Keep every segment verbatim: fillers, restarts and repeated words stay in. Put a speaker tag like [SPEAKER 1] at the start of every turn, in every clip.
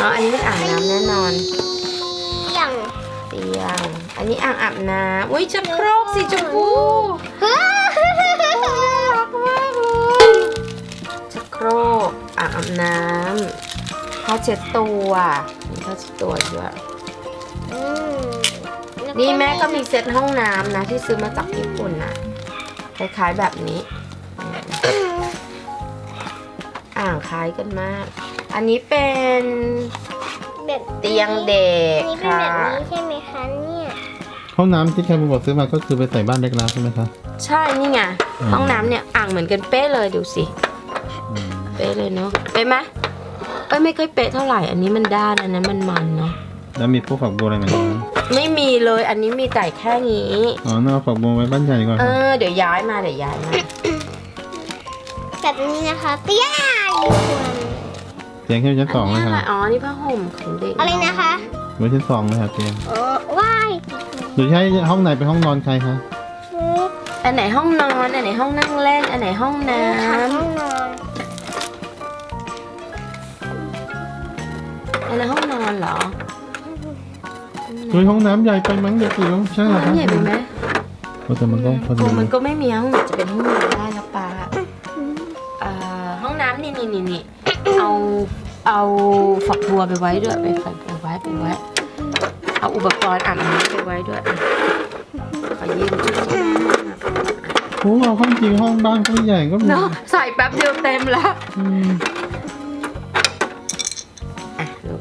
[SPEAKER 1] อ๋ออันนี้เป็นอ่างน้ำแน่นอน
[SPEAKER 2] เตียง
[SPEAKER 1] เตียงอันนี้อ่างอาบน้ำอุ้ยชักโครกสีชมพูรักมากเลยชักโครกอ่างอาบน้ำผ้าเช็ดตัวมีผ้าเช็ดตัวด้วยนี่แม่ก็มีเซ็ตห้องน้ำนะที่ซื้อมาจากญี่ปุ่นนะคล้ายๆแบบนี้อ่างคล้ายกันมากอันนี้เป็นเตียงเด็กค่ะ
[SPEAKER 2] ใช่ไหมคะเนี่ย
[SPEAKER 3] ห้องน้ำที่แคมบอกซื้อมาก็คือไปใส่บ้านเล็กแล้วใช่ไหมคะ
[SPEAKER 1] ใช่นี่ไงห้องน้ำเนี่ยอ่างเหมือนกันเป๊ะเลยดูสิเป๊ะเลยเนาะเป๊ะไหมเอ้ยไม่ค่อยเป๊ะเท่าไหร่อันนี้มันด้านอันนั้นมันมันเนาะ
[SPEAKER 3] แล้วมีพวกฝักบัวอะไรไหมคะ
[SPEAKER 1] ไม่มีเลยอันนี้มีแต่แค่นี้
[SPEAKER 3] อ๋อน่าเอาฝักบัวไว้บ้านใหญ่ก่อน
[SPEAKER 1] เออเดี๋ยวย้ายมาเดี๋ยวย้ายมา
[SPEAKER 2] แบบนี้นะคะเตียง
[SPEAKER 3] เตียงแค่ชั้นสองเลย
[SPEAKER 1] อัน
[SPEAKER 3] ค่ะ
[SPEAKER 1] นี้อะไรอ๋อนี่ผ้าห่มของเด็ก
[SPEAKER 2] อะไรนะคะ
[SPEAKER 3] ไว้ชั้นสองเลยค่ะเตียง
[SPEAKER 2] โอ้ว้าย
[SPEAKER 3] หรือใช้ห้องไหนเป็นห้องนอนใครคะ
[SPEAKER 1] อันไหนห้องนอนอันไหนห้องนั่งเล่นอันไหนห้องน้
[SPEAKER 2] ห้องนอน
[SPEAKER 1] ำอันไหนห้องนอนเหรอ
[SPEAKER 3] เฮ้ยห้องน้ำใหญ่ไปมั้งเด็กจิ๋วใช่เหรอ
[SPEAKER 1] ห้
[SPEAKER 3] คะ
[SPEAKER 1] องใหญ่ไปไหม
[SPEAKER 3] เพราะแต่มันก็พอดี
[SPEAKER 1] โอ้มันก็ไม่มีห้องไหนจะเป็นห้องนอนได้แล้วปาอ่าห้องน้ำนี่นี่นี่นี่เอาเอาฝักบัวไปไว้ด้วยไปฝักบัวไว้ไปไว้เอาอุปกรณ์อาบน้ำไปไว้ด้วยขอยืมชุดที่แม่
[SPEAKER 3] โอ้เอาห้องจริงห้องบ้านก็ใหญ่ก็มี
[SPEAKER 1] เนาะใส่แป๊บเดียวเต็มแล้ว
[SPEAKER 3] อืม
[SPEAKER 1] อ่ะลูก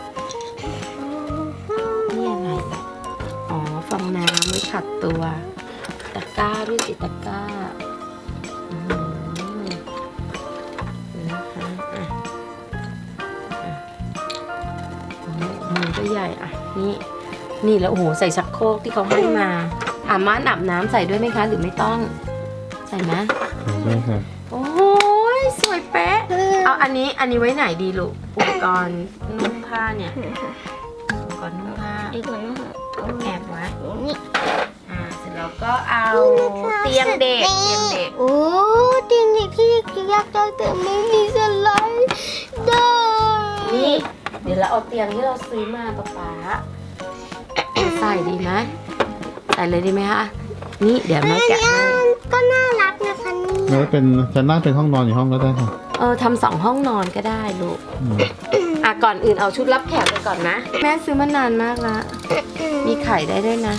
[SPEAKER 1] นี่อะไรเนี่ยอ๋อฟองน้ำไว้ขัดตัวตะกร้าด้วยสิตะกร้าอืมนะคะอ่ะอ่ะโอ้โหมือก็ใหญ่อ่ะนี่นี่แล้วโอ้โหใส่ชักโครกที่เขาให้มาอ่ะม่านอาบน้ำใส่ด้วยไหมคะหรือไม่ต้องใส่ไหม
[SPEAKER 3] ได้ค่ะ
[SPEAKER 1] โอ้ยสวยเป๊ะ เอาอันนี้อันนี้ไว้ไหนดีลูกอุปกรณ์นุ่งผ้าเนี่ยอุปกรณ์นุ่งผ้า
[SPEAKER 2] อีกหน่อยนะคะ
[SPEAKER 1] แอบไว้
[SPEAKER 2] นี่
[SPEAKER 1] อ่าเสร็จแล้วก็เอาเตียงเด็กเตียงเด็ก
[SPEAKER 2] โอ้เตียงเด็กที่ยากจังแต่ไม่มีสไลด์ได้
[SPEAKER 1] นี่เดี๋ยวเราเอาเตียงที่เราซื้อมาป๊าป๊าใส่ดีไหมใส่เลยดีไหมคะนี่เดี๋ยวแม่แกะให้
[SPEAKER 2] ก็น่ารักนะคะนี่
[SPEAKER 3] แล้วเป็นชั้นล่างเป็นห้องนอนอยู่ห้องก็ได้ค่ะ
[SPEAKER 1] เออทำสองห้องนอนก็ได้ลูก
[SPEAKER 3] อืม
[SPEAKER 1] อ่ะก่อนอื่นเอาชุดรับแขกไปก่อนนะแม่ซื้อมานานมากละมีไข่ได้ด้วยนะ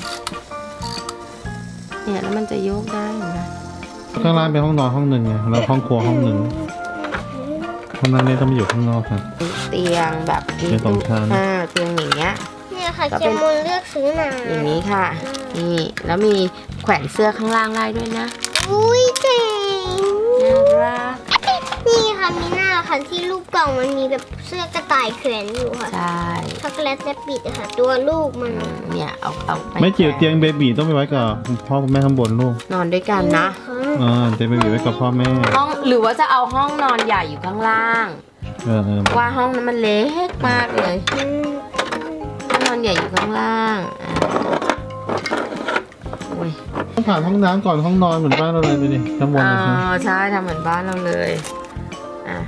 [SPEAKER 1] เนี่ยแล้วมันจะโยกได้เห็นไหม
[SPEAKER 3] ข้างล่างเป็นห้องนอนห้องหนึ่งไงแล้วห้องครัวห้องหนึ่งห้องนั้นเนี่ยต้องไปอยู่ข้างนอกค่ะ
[SPEAKER 1] เตียงแบบมี
[SPEAKER 3] เป็นสองชั้น
[SPEAKER 1] อ่าเตียงอย่างเงี้ย
[SPEAKER 2] เนี่ยค่ะ
[SPEAKER 1] ก็
[SPEAKER 2] เจ
[SPEAKER 1] เป็น
[SPEAKER 2] มูลเลือกซื้อมา
[SPEAKER 1] อย่างนี้ค่ะ นี่แล้วมีแขวนเสื้อข้างล่างได้ด้วยนะ
[SPEAKER 2] อุ้ยเจ๋ง
[SPEAKER 1] น่ารัก
[SPEAKER 2] นี่ค่ะมีหน้าค่ะที่รูปกล่องมันมีแบบเสื้อกระต่ายแขวนอยู่ค่ะ
[SPEAKER 1] ใช่
[SPEAKER 2] ช็อกโกแลตและปิดอะค่ะ ตัวลูกมัน
[SPEAKER 1] อืมเนี่ยเอาเอาป
[SPEAKER 3] ไม่จิ๋วเตียงเบบีต้องไปไว้กับพ่อคุณแม่ข้างบนลูก
[SPEAKER 1] นอนด้วยกันนะ
[SPEAKER 3] อ่าเตียงเบบีไว้กับพ่อแม่
[SPEAKER 1] ห้องหรือว่าจะเอาห้องนอนใหญ่อยู่ข้างล่าง
[SPEAKER 3] เออเออ
[SPEAKER 1] ว่าห้องนั้นมันเล็กมากเลย
[SPEAKER 2] อืม
[SPEAKER 1] ห้องนอนใหญ่อยู่ข้างล่างอ่าโอ้ย
[SPEAKER 3] ต้องผ่านห้องน้ำก่อนห้องนอนเหมือนบ้านเราเลยดูดิข้างบน
[SPEAKER 1] อ๋อ
[SPEAKER 3] เลยค่ะ
[SPEAKER 1] ใช่ทำเหมือนบ้านเราเลยอ่ะ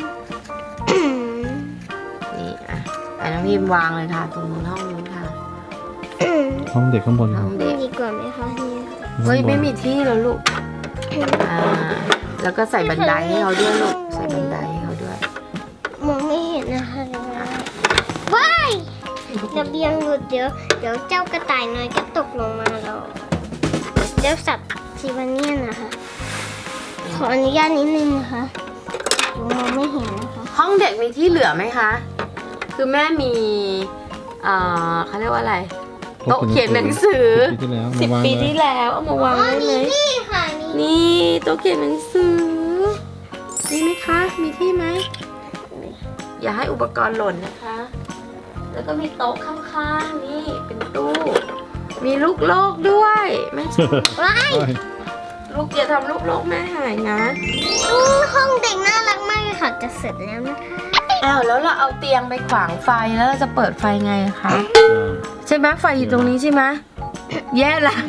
[SPEAKER 1] นี่อ่ะอ่ะน้องพิมวางเลยค่ะตรงนู้นห้องนู้นค่ะ
[SPEAKER 3] ห้องเด็กข้างบน
[SPEAKER 1] ห้
[SPEAKER 3] ค่ะ
[SPEAKER 1] องเด็ก
[SPEAKER 2] ดีกว่าไหมคะเนี่ย
[SPEAKER 1] เฮ้ยไม่มีที่แล้วลูก อ่า แล้วก็ใส่บันไดให้เขาด้วยลูก ใส่บันไดให้เขาด้วย
[SPEAKER 2] มองไม่เห็นนะคะเดี๋ยวนะว้ายระเบียงหลุดเดี๋ยวเดี๋ยวเจ้ากระต่ายน้อยก็ตกลงมาแล้วเจ้าสัตว์ซีวาเนียนนะคะ ขออนุญาตนิดนึงนะคะหนูมองไม่เห็นนะคะ
[SPEAKER 1] ห้องเด็กมีที่เหลือไหมคะ คือแม่มีเอ่อเขาเรียกว่าอะไร โต๊ะเขียนหนังสือ
[SPEAKER 3] สิบปีที่แล้ว
[SPEAKER 1] สิบ
[SPEAKER 3] มาวาง
[SPEAKER 1] ปีที่แล้วเอามาวางได้ไหม
[SPEAKER 2] นี่ค่ะนี่
[SPEAKER 1] นี่โต๊ะเขียนหนังสือ นี่ไหมคะ มีที่ไหม อย่าให้อุปกรณ์หล่นนะคะ แล้วก็มีโต๊ะข้างๆ นี่เป็นตู้ มีลูกโลกด้วยแม่ชอบ
[SPEAKER 2] ว้าย
[SPEAKER 1] ลูกอย่าทำลูกโลกแม่หายนะ
[SPEAKER 2] อู้ห้องเด็กน่ารักมากเลยค่ะจะเสร็จแล้วนะคะ
[SPEAKER 1] อ้าวแล้วเราเอาเตียงไปขวางไฟแล้วเราจะเปิดไฟไงคะ ใช่ไหมไฟอยู่ตรงนี้ใช่ไหมแย่ละ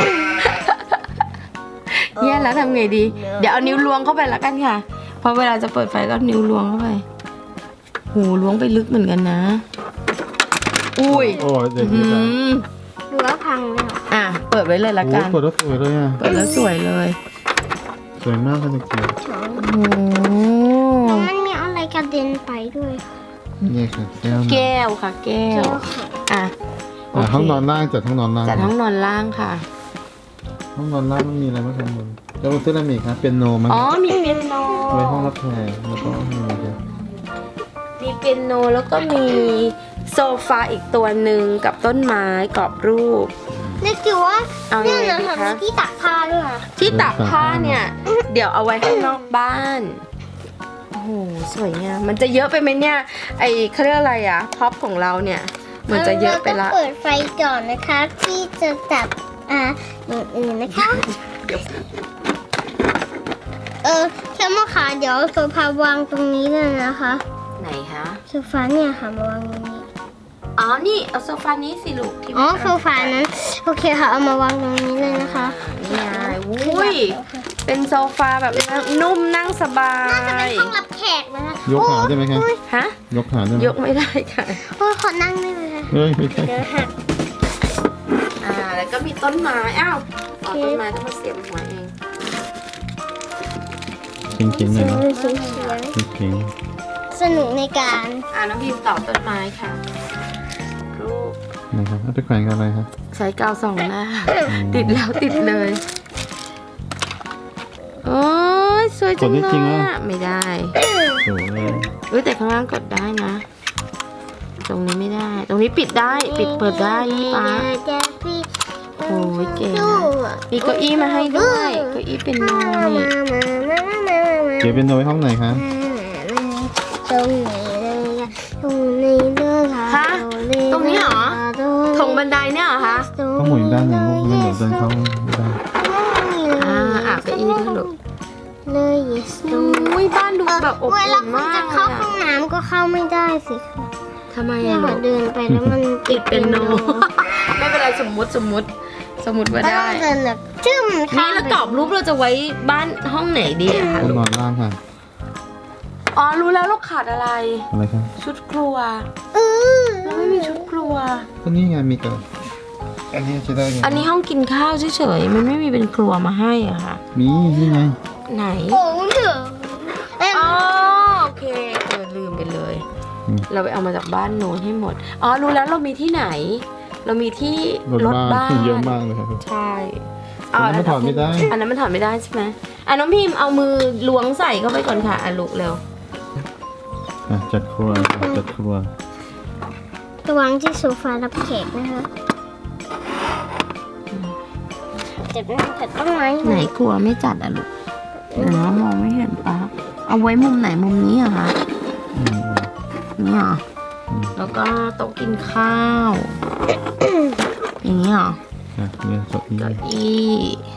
[SPEAKER 1] แย่แล้วทำไงดี เดี๋ยวเอานิ้วล้วงเข้าไปแล้วกันค่ะ เพราะเวลาจะเปิดไฟก็นิ้วล้วงเข้าไปโหล้วงไปลึกเหมือนกันนะ อุ้ย
[SPEAKER 3] โอ้ยเด็ก
[SPEAKER 1] อื
[SPEAKER 3] นี่จ้ะ
[SPEAKER 1] ม
[SPEAKER 2] รั้วพังเลยค่ะ
[SPEAKER 1] อ่ะ เปิดไว้เลยละ
[SPEAKER 3] โอ้
[SPEAKER 1] กั
[SPEAKER 3] ย
[SPEAKER 1] น
[SPEAKER 3] เปิดแล้วสวยเลยอ่ะ
[SPEAKER 1] เปิดแล้วสวยเลย
[SPEAKER 3] สวยมากเลยเด็กจิ๋ว
[SPEAKER 2] สอง
[SPEAKER 1] โอ้โห
[SPEAKER 2] แล้วมันมีอะไรกระเด็นไปด้วยค่ะ
[SPEAKER 3] นี่ค่ะแก้ว
[SPEAKER 1] แก้วค่ะ แก้
[SPEAKER 2] เจ้าว
[SPEAKER 1] อ่ะ
[SPEAKER 3] อ่ะ
[SPEAKER 1] โเค
[SPEAKER 3] ห้องนอนล่างจัดห้องนอนล่าง
[SPEAKER 1] จัดห้องนอนล่างค่ะ
[SPEAKER 3] ห้องนอนล่างมันมีอะไรบ้างครับบนแล้วบนเสื้ออะไรอีกครับเป็นโนมั้ง
[SPEAKER 1] อ๋อ มีเปียโน
[SPEAKER 3] ไว้ห้องรับแขกแล้วก็มีอะไรครับ
[SPEAKER 1] มีเปียโนแล้วก็มีโซฟาอีกตัวหนึ่งกับต้นไม้กรอบรูป
[SPEAKER 2] นึกอยู่ว่า
[SPEAKER 1] เอา
[SPEAKER 2] เนี่
[SPEAKER 1] ยั
[SPEAKER 2] ย
[SPEAKER 1] งไง
[SPEAKER 2] นะ
[SPEAKER 1] ดี
[SPEAKER 2] คะ
[SPEAKER 1] คะ
[SPEAKER 2] มีที่ตักผ้าด้วยค่ะ
[SPEAKER 1] ที่ตากผ้าเนี่ย เดี๋ยวเอาไว้ข้างนอกบ้าน โอ้โห สวยงามมันจะเยอะไปไหมเนี่ย ไอเขาเรียกอะไรอะพ็อปของเราเนี่ย มันจะเยอะไปละ
[SPEAKER 2] ราก็เปิดไฟก่อนนะคะ ที่จะจับอ่าอย่างอื่นนะคะ เออแค่มาขาเดี๋ยวโซฟาวางตรงนี้เลยนะคะ
[SPEAKER 1] ไหนคะ
[SPEAKER 2] โซฟาเนี่ยค่ะมาวางตรงนี้
[SPEAKER 1] อ๋อ นี่เอาโซฟานี้สิลูกที่
[SPEAKER 2] อ๋อ
[SPEAKER 1] แม่
[SPEAKER 2] โซฟานั้น โอเคค่ะ เอามาวางตรงนี้เลยนะคะ
[SPEAKER 1] นี่ไงอุ้ย เป็นโซฟาแบบนุ่มนั่งสบา
[SPEAKER 2] น่าจะเป็น
[SPEAKER 1] ย
[SPEAKER 2] ห้องรับแขกนะคะ
[SPEAKER 3] ยกขาได้ไหมครับ
[SPEAKER 2] โอ้ย
[SPEAKER 1] ฮะ
[SPEAKER 3] ยกขาได้ไหม
[SPEAKER 1] ยกไม่ได้ค่ะ
[SPEAKER 2] โอ้ยขอนั่งได้ไหมคะ
[SPEAKER 3] เฮ้ยไม่ใช่
[SPEAKER 2] เดี๋ยวหัก
[SPEAKER 1] อ่า แล้วก็มีต้นไม้ อ้าวอ๋อต้นไม้ต้องมาเสียบหัวเอง
[SPEAKER 3] เก่งเก่งๆหน่อยนะ
[SPEAKER 2] เสียงเสียง
[SPEAKER 3] เก่ง
[SPEAKER 2] สนุกในการ
[SPEAKER 1] อ่าน้องพิมต่อต้นไม้ค่ะ รูป
[SPEAKER 3] ๆนะครับเอาไปแขวนกับอะไรครับ
[SPEAKER 1] ใช้กาวส่องหน้า ติดแล้วติดเลย โอ้ยสวยจังเลยอะไม่ได้
[SPEAKER 3] สวยเลย
[SPEAKER 1] เฮ้ยแต่ข้างล่างกดได้นะ ตรงนี้ไม่ได้ ตรงนี้ปิดได้ ปิดเปิดได้นี่ป้า
[SPEAKER 2] จะพี่
[SPEAKER 1] โอ้ยเก่งนะ มีเก้าอี้มาให้ด้วยเก้าอี้เป็นโน
[SPEAKER 2] มา
[SPEAKER 1] นี่
[SPEAKER 2] มามามามามา
[SPEAKER 3] เก็บเป็นเอาไว้ห้องไหนคะ
[SPEAKER 2] ตรงไหนเลยอะตรงนี้เลยค่ะ
[SPEAKER 1] ฮะตรงนี้เหรอถงบันไดเนี่ยเหรอคะ
[SPEAKER 3] ต้องหมุนด้านหนึ่งลูกไม่งั้นเดี๋ยวเดินเข้าไม่ได้
[SPEAKER 1] อ่าอ่ะเก้าอี้ด้วยลูก
[SPEAKER 2] เลย yes ตรงนี้
[SPEAKER 1] อุ้ยบ้านดูแบบอบ
[SPEAKER 2] เว
[SPEAKER 1] อุ่
[SPEAKER 2] ลาน คุณ
[SPEAKER 1] มา
[SPEAKER 2] จะ
[SPEAKER 1] ก
[SPEAKER 2] เข้า
[SPEAKER 1] เลย
[SPEAKER 2] ห้อ
[SPEAKER 1] อะ
[SPEAKER 2] งน้ำก็เข้าไม่ได้สิคะ
[SPEAKER 1] ทำไม
[SPEAKER 2] เนี่ย
[SPEAKER 1] อะ
[SPEAKER 2] ค่ะ
[SPEAKER 1] ลูก
[SPEAKER 2] เดินไปแล้วมัน
[SPEAKER 1] ติดเป็นโน ไม่เป็นไรสมมุติสมมุติสมมุติว่า
[SPEAKER 2] ก็ต้
[SPEAKER 1] ได้
[SPEAKER 2] องเดินแบบจึ้ม
[SPEAKER 1] นี่แล้วกรอบรูปเราจะไว้บ้านห้องไหนดีอะคะ
[SPEAKER 3] ห้อง
[SPEAKER 1] ลูก
[SPEAKER 3] นอนล่างค่ะ
[SPEAKER 1] อ๋อรู้แล้วเราขาดอะไร
[SPEAKER 3] อะไรครับ
[SPEAKER 1] ชุดครัว
[SPEAKER 2] เออ
[SPEAKER 1] เราไม่มีชุดครัว
[SPEAKER 3] ก็นี่ไงมีกับอันนี้ใช้ได้ไง
[SPEAKER 1] อันนี้ห้องกินข้าวเฉยๆมันไม่มีเป็นครัวมาให้อะค่ะ
[SPEAKER 3] มีนี่ไง
[SPEAKER 1] ไหน
[SPEAKER 2] โอ้เถอะเอ้ย
[SPEAKER 1] อ๋อโอเคเออลืมไปเลย
[SPEAKER 3] อืม
[SPEAKER 1] เราไปเอามาจากบ้านโน้นให้หมด อ๋อรู้แล้วเรามีที่ไหน เรามีที่
[SPEAKER 3] รถ
[SPEAKER 1] รถ
[SPEAKER 3] บ้า
[SPEAKER 1] บ้าน น
[SPEAKER 3] เยอะมากเลยครับ
[SPEAKER 1] ใช่
[SPEAKER 3] อันนั้นมันถอดไม่ได้
[SPEAKER 1] อันนั้นมันถอดไม่ได้ใช่ไหมอ่ะน้องพิมพ์เอามือล้วงใส่เข้าไปก่อนค่ะอ่ะลูกเร็ว
[SPEAKER 3] อ่ะจัดครัวจัดครัว
[SPEAKER 2] ระวังที่โซฟารับแขกนะคะเจ็บนะคะแต่ต้องไม้
[SPEAKER 1] ไหนครัวไม่จัดอ่ะลูกเดี๋ยวนะมองไม่เห็นปะเอาไว้มุมไหนมุมนี้เหรอะคะ
[SPEAKER 3] อืม
[SPEAKER 1] นี่เหรอ
[SPEAKER 3] อืม
[SPEAKER 1] แล้วก็โต๊ะกินข้าว อย่างนี้เหรอ
[SPEAKER 3] อ่ะเนี่ยสดนี้
[SPEAKER 1] เก้าอี้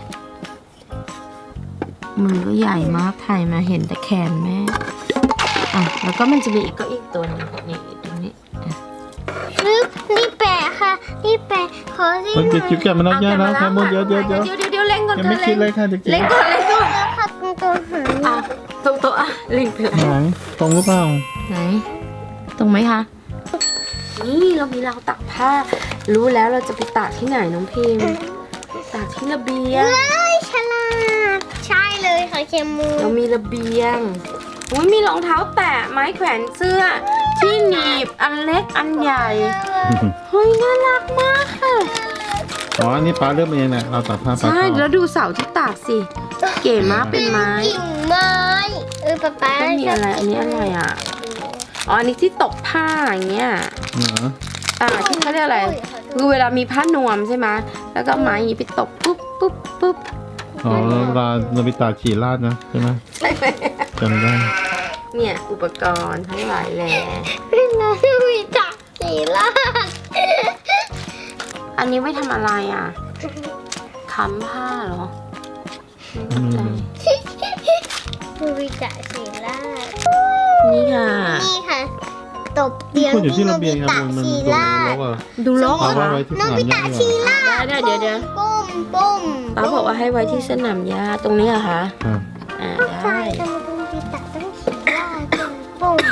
[SPEAKER 1] มือก็ใหญ่มากถ่ายมาเห็นแต่แขนแม่อ่ะแล้วก็มันจะมีอีกเก็อีกตัวหนึงนี่ตรงนี้อ่ะ
[SPEAKER 2] รึบนี่แปะค่ะนี่แปะขอที่
[SPEAKER 3] มันจะคิวแกะมันเอาแย่แล้วครับมดเดี๋ยวเดี๋ยวเดี๋ยว
[SPEAKER 1] เดี๋ยวเดี๋ยวเดี๋ยวเล่งก่อน
[SPEAKER 3] ยังไม่คิดเลยค่ะเด็กจิ๋ว
[SPEAKER 1] เล่งก่อนเล่งก่อน
[SPEAKER 2] แล้วค่ะตรงตัวหาง
[SPEAKER 1] อ่ะตรงโต๊ะอ่ะเล่งไปแล้ว
[SPEAKER 3] ไหนตรงหรือเปล่า
[SPEAKER 1] ไหน ตรงไหมคะ นี่เรามีราวตากผ้า รู้แล้วเราจะไปตากที่ไหนน้องพิมพ์ตากที่ระเบียง
[SPEAKER 2] เฮ้ยฉลาดใช่เลยค่ะเคมู
[SPEAKER 1] เรามีระเบียงอุ้ยมีรองเท้าแตะไม้แขวนเสื้อ ที่หนีบอันเล็กอันใหญ่ เฮ้ยน่ารักมากค่ะ
[SPEAKER 3] อ๋ออันนี้ป้าเริ่มเองแหละเราตัดผ้าป้า
[SPEAKER 1] ใช่
[SPEAKER 3] เข้า
[SPEAKER 1] แล้วดูเสาที่ตากสิ เก๋มากเป็นไม้
[SPEAKER 2] กิ่งไม้เออป๊าป๊า
[SPEAKER 1] ไม่มีอะไร อันนี้อะไรอ่ะ อ๋อ อันนี้ที่ตกผ้าอย่างเงี้ย
[SPEAKER 3] เหรอ
[SPEAKER 1] อ่าที่เขาเรียกอะไร คือเวลามีผ้านวมใช่ไหมแล้วก็ไม้อย่างนี้ไปตกปุ๊บปุ๊บปุ๊บ
[SPEAKER 3] อ๋อแล้วเวลาเราไปตากฉี่ราดนะใช่ไหม
[SPEAKER 1] ใช่ไหม
[SPEAKER 3] จำได้
[SPEAKER 1] เนี่ย อุปกรณ์ทั้งหลายแหล่
[SPEAKER 2] เรามีจักรสีลาด
[SPEAKER 1] อันนี้ไว้ทำอะไรอ่ะ ค้ำผ้าเหรอไม่เข้าใจ
[SPEAKER 2] เรามีจักรสีลาด
[SPEAKER 1] นี่ค่ะ
[SPEAKER 2] นี่ค่ะ ตบเตียง
[SPEAKER 3] คนอยู่ที่ระเบียงครับ
[SPEAKER 2] โน
[SPEAKER 3] มัน
[SPEAKER 2] บิ
[SPEAKER 3] มัน
[SPEAKER 2] ตะ
[SPEAKER 3] โดน
[SPEAKER 2] สี
[SPEAKER 3] ล็อกอ่ะ
[SPEAKER 1] ดูโลกเหร
[SPEAKER 3] เอา
[SPEAKER 1] อ
[SPEAKER 3] ไว้
[SPEAKER 1] คะ
[SPEAKER 3] ไว้ที่
[SPEAKER 2] โน
[SPEAKER 3] สนาม
[SPEAKER 2] บิ
[SPEAKER 3] หญ้า
[SPEAKER 2] ตะ
[SPEAKER 3] ดี
[SPEAKER 2] ชี
[SPEAKER 3] กว่า
[SPEAKER 2] ลาด
[SPEAKER 1] ได้ได้เดี๋ยวเดี๋ยว
[SPEAKER 2] ปุ้มปุ้ม
[SPEAKER 1] ป้าบอกว่าให้ไว้ที่สนามหญ้าตรงนี้เหรอะคะ
[SPEAKER 3] ครับ
[SPEAKER 1] อ่า
[SPEAKER 2] ใช่
[SPEAKER 1] ได้
[SPEAKER 2] แต่โนบิตะต้องสีลาดปุ้มปุ้ม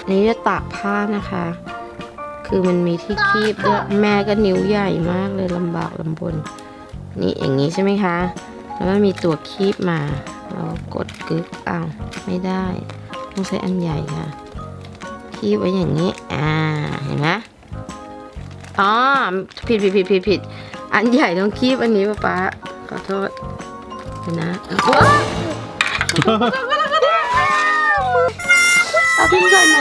[SPEAKER 1] นี่จะตากผ้านะคะ คือมันมีที่คีบด้วยแม่ก็นิ้วใหญ่มากเลยลำบากลำบน นี่อย่างนี้ใช่ไหมคะ แล้วมันมีตัวคีบมาเรากดกึกอ้าวไม่ได้ ต้องใช้อันใหญ่ค่ะ คีบไว้อย่างนี้ อ่า เห็นไหมอ๋อ ผิดผิดผิดผิดผิด อันใหญ่ต้องคีบอันนี้ป๊าป๊าขอโทษเห็นนะว้าวเอาทิ้งใส่ไหม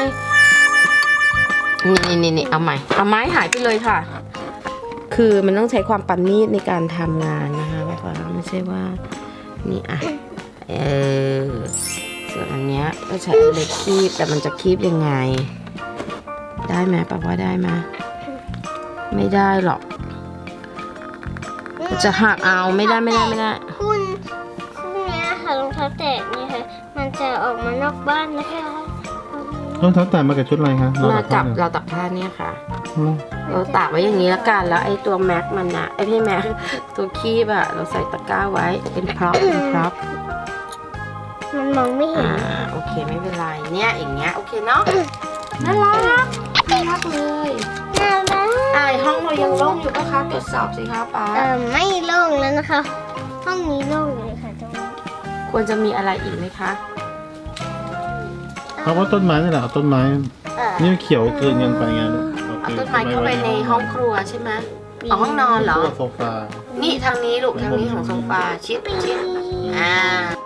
[SPEAKER 1] นี่นี่นี่เอาใหม่ เอาไม้หายไปเลยค่ะ คือมันต้องใช้ความประณีตในการทำงานนะคะป๊าป๊าไม่ใช่ว่า นี่อ่ะ เออ ส่วนอันเนี้ยก็ใช้อันเล็กคีบ แต่มันจะคีบยังไง ได้ไหมป๊าว่าได้ไหมไม่ได้หรอก จะหักเอาไม่ได้ไม่ได้ไม่ได้
[SPEAKER 2] คุณคุณเนี้ยค่ะรองเท้าแตะเนี่ยค่ะ มันจะออกมานอกบ้านนะคะ
[SPEAKER 3] รองเท้าแตะมากับชุดอะไรคะ
[SPEAKER 1] มากับ
[SPEAKER 3] เรา
[SPEAKER 1] เราตักผ้าเนี่ยค่ะ
[SPEAKER 3] อืม
[SPEAKER 1] เราตากไว้อย่างนี้แล้วกัน แล้วไอ้ตัวแม็กมันนะไอ้พี่แม็กตัวคีบอะเราใส่ตะกร้าไว้เป็นพร็อพเป็นพร็อพ
[SPEAKER 2] มันมองไม่เห็
[SPEAKER 1] อ่าน โอเคไม่เป็นไรเนี่ยอย่างเงี้ยโอเคเนาะน่ารักน่ารักเลย
[SPEAKER 2] น่ารัก
[SPEAKER 1] อ่าห้องเรายังโล่งอยู่ปะคะตรวจสอบสิคะป้า
[SPEAKER 2] เออไม่โล่งแล้วนะคะ ห้องนี้โล่งอยู่เลยค่ะตรงนี้
[SPEAKER 1] ควรจะมีอะไรอีกไหมคะ
[SPEAKER 3] เอาว่าต้นไม้นี่แหละเอาต้นไม้
[SPEAKER 2] เออ
[SPEAKER 3] นี่มันเขียวเกินกันไปไงลูก
[SPEAKER 1] เอาต้นไม้เข้าไปในห้องครัวใช่ไหมเอาห้องนอนเหรอ
[SPEAKER 3] โซฟา
[SPEAKER 1] นี่ทางนี้ลูกทางนี้ของโซฟาชิดชิดอ่า